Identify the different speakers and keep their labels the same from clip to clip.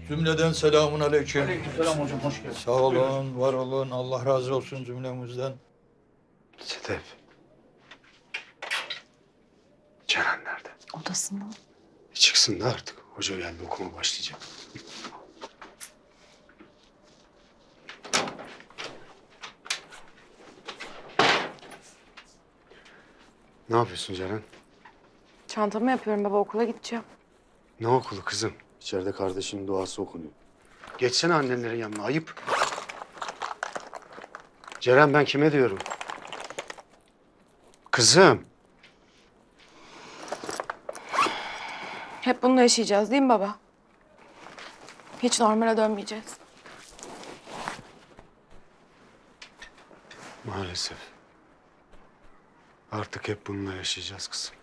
Speaker 1: Cümleden selamun aleyküm.
Speaker 2: Aleykümselam hocam, hoş geldin.
Speaker 1: Sağ olun, var olun. Allah razı olsun cümlemizden.
Speaker 3: Sedef. Ceren nerede?
Speaker 4: Odasında.
Speaker 3: Çıksın da artık. Hoca geldi, okuma başlayacak. Ne yapıyorsun Ceren?
Speaker 4: Çantamı yapıyorum baba, okula gideceğim.
Speaker 3: Ne okulu kızım? İçeride kardeşinin duası okunuyor. Geçsene annenlerin yanına, ayıp. Ceren, ben kime diyorum? Kızım.
Speaker 4: Hep bununla yaşayacağız değil mi baba? Hiç normale dönmeyeceğiz.
Speaker 3: Maalesef. Artık hep bununla yaşayacağız kızım.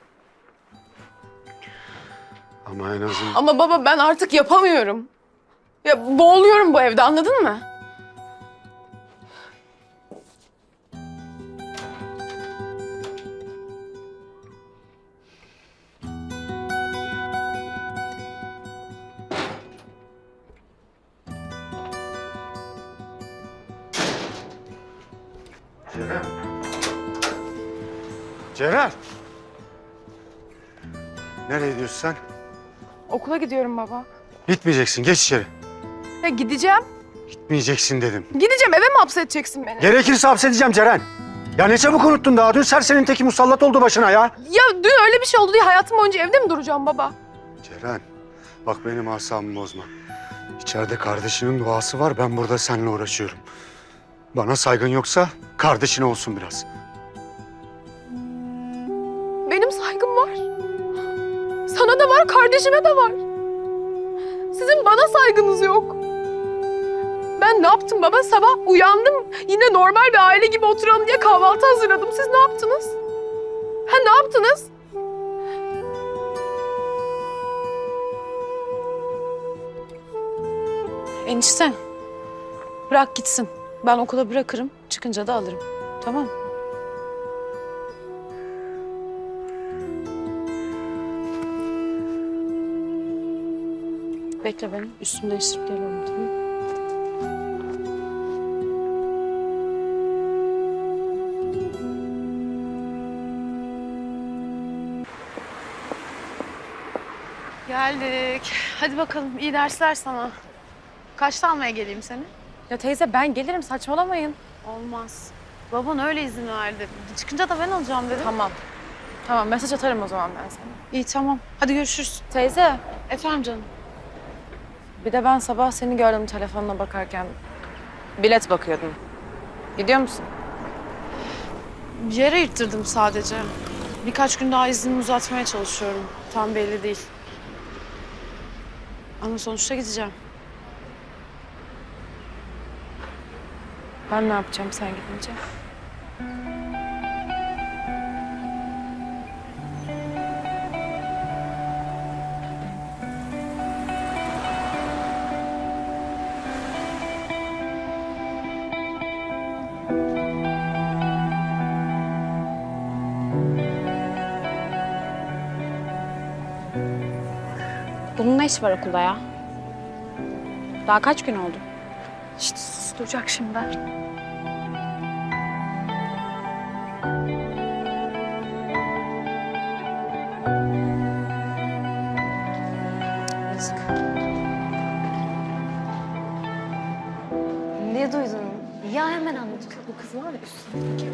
Speaker 3: Ama en azından...
Speaker 4: Ama baba ben artık yapamıyorum. Ya boğuluyorum bu evde, anladın mı?
Speaker 3: Ceren. Ceren. Nereye gidiyorsun sen?
Speaker 4: Okula gidiyorum baba.
Speaker 3: Gitmeyeceksin. Geç içeri.
Speaker 4: Ya gideceğim.
Speaker 3: Gitmeyeceksin dedim.
Speaker 4: Gideceğim, eve mi hapsedeceksin beni?
Speaker 3: Gerekirse hapsedeceğim Ceren. Ya ne çabuk unuttun daha. Dün serserinin teki musallat oldu başına ya.
Speaker 4: Ya dün öyle bir şey oldu diye hayatım boyunca evde mi duracağım baba?
Speaker 3: Ceren, bak benim asabımı bozma. İçeride kardeşinin duası var. Ben burada seninle uğraşıyorum. Bana saygın yoksa kardeşine olsun biraz.
Speaker 4: Benim saygım var. Sana da var, kardeşime de var. Sizin bana saygınız yok. Ben ne yaptım baba? Sabah uyandım. Yine normal bir aile gibi oturalım diye kahvaltı hazırladım. Siz ne yaptınız? Ha, ne yaptınız? Enişte, bırak gitsin. Ben okula bırakırım. Çıkınca da alırım. Tamam. Bekle beni. Üstümü değiştirip geliyorum, tamam mı?
Speaker 5: Geldik. Hadi bakalım, iyi dersler sana. Kaçta almaya geleyim seni?
Speaker 4: Ya teyze ben gelirim, saçmalamayın.
Speaker 5: Olmaz. Baban öyle izin verdi. Çıkınca da ben alacağım dedi.
Speaker 4: Tamam. Tamam, mesaj atarım o zaman ben sana.
Speaker 5: İyi, tamam. Hadi görüşürüz.
Speaker 4: Teyze,
Speaker 5: Efendim canım.
Speaker 4: bir de ben sabah seni gördüm telefonuna bakarken. Bilet bakıyordun. Gidiyor musun?
Speaker 5: Bir yere yırttırdım sadece. Birkaç gün daha iznimi uzatmaya çalışıyorum. Tam belli değil. Ama sonuçta gideceğim.
Speaker 4: Ben ne yapacağım sen gidince?
Speaker 6: Bunun ne işi var okulda ya? Daha kaç gün oldu?
Speaker 4: İşte susturacak şimdi. Yazık.
Speaker 6: Ne duydun? Ya hemen anlatıyor. Bu kız var ya üstündeki.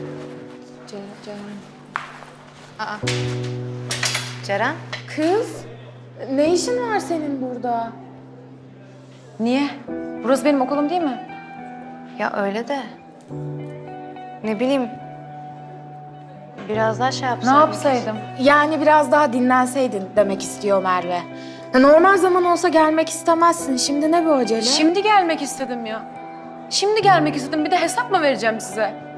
Speaker 4: Ceren. Kız, ne işin var senin burada? Niye? Burası benim okulum değil mi?
Speaker 7: Ya öyle de. Ne bileyim. Biraz daha şey
Speaker 4: Ne
Speaker 7: yapsaydım.
Speaker 4: yapsaydım?
Speaker 8: Yani biraz daha dinlenseydin demek istiyor Merve. Ya normal zaman olsa gelmek istemezsin. Şimdi ne bu acele?
Speaker 4: Şimdi gelmek istedim ya. Şimdi gelmek istedim. Bir de hesap mı vereceğim size?